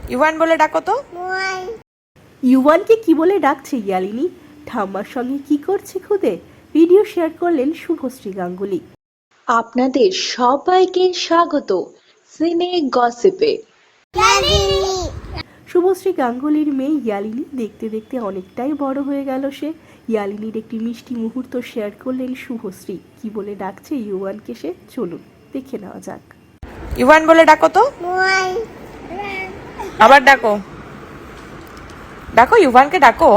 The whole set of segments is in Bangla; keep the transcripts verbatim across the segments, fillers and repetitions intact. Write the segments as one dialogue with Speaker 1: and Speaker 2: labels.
Speaker 1: ইউয়ান বলে ডাকো তো।
Speaker 2: ইউয়ানকে কি বলে ডাকছে ইয়ালিনী? ঠাম্মার সঙ্গে কি করছে খুদে? ভিডিও শেয়ার করলেন শুভশ্রী গাঙ্গুলি।
Speaker 3: আপনাদের সবাইকে স্বাগত সিনে গসিপে।
Speaker 2: শুভশ্রী গাঙ্গুলির মেয়ে ইয়ালিনী দেখতে দেখতে অনেকটাই বড় হয়ে গেল সে। ইয়ালিনীর একটি মিষ্টি মুহূর্ত শেয়ার করলেন শুভশ্রী। কি বলে ডাকছে ইউয়ানকে সে, চলুন দেখে নেওয়া যাক।
Speaker 1: ইউয়ান বলে ডাকো তো। আবার ডাকো, ডাকো ইউয়ানকে ডাকো।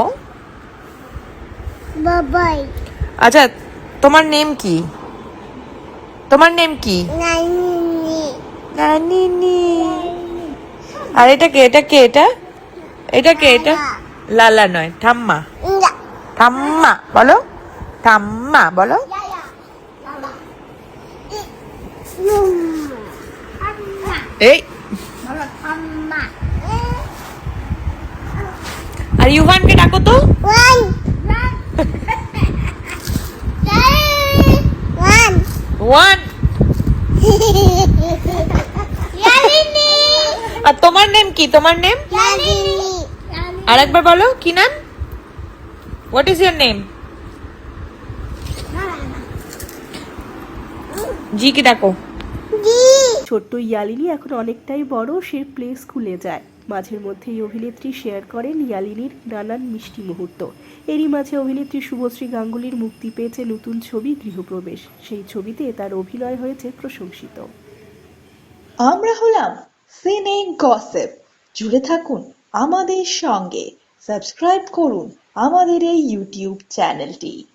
Speaker 4: বাবাই
Speaker 1: আচ্ছা, তোমার নেম কি? তোমার নেম কি?
Speaker 4: নানি
Speaker 1: নানিনি। আর এটা কে? এটা কে? এটা এটা কে? এটা লালা নয়, ঠাম্মা। ঠাম্মা বলো, ঠাম্মা বলো। এই আর ইউভানকে ডাকো তো।
Speaker 4: One one
Speaker 1: one.
Speaker 4: ইয়ালিনী
Speaker 1: আর তোমার নেম কি? তোমার নেম
Speaker 4: ইয়ালিনী
Speaker 1: আরেকবার বলো, কি নাম? What is your name? জি কে ডাকো।
Speaker 4: জি
Speaker 2: ছোট্ট ইয়ালিনী এখন অনেকটাই বড়, সে প্লে স্কুলে যায়। মাঝের মধ্যেই অভিনেত্রী শেয়ার করেন ইয়ালিনীর নানান মিষ্টি মুহূর্ত। এরই মাঝে অভিনেত্রী শুভশ্রী গাঙ্গুলির মুক্তি পেয়েছে নতুন ছবি গৃহপ্রবেশ। সেই ছবিতে তার অভিনয় হয়েছে প্রশংসিত।
Speaker 3: আমরা হলাম সিনে গসিপ। জুড়ে থাকুন আমাদের সঙ্গে, সাবস্ক্রাইব করুন আমাদের এই ইউটিউব চ্যানেলটি।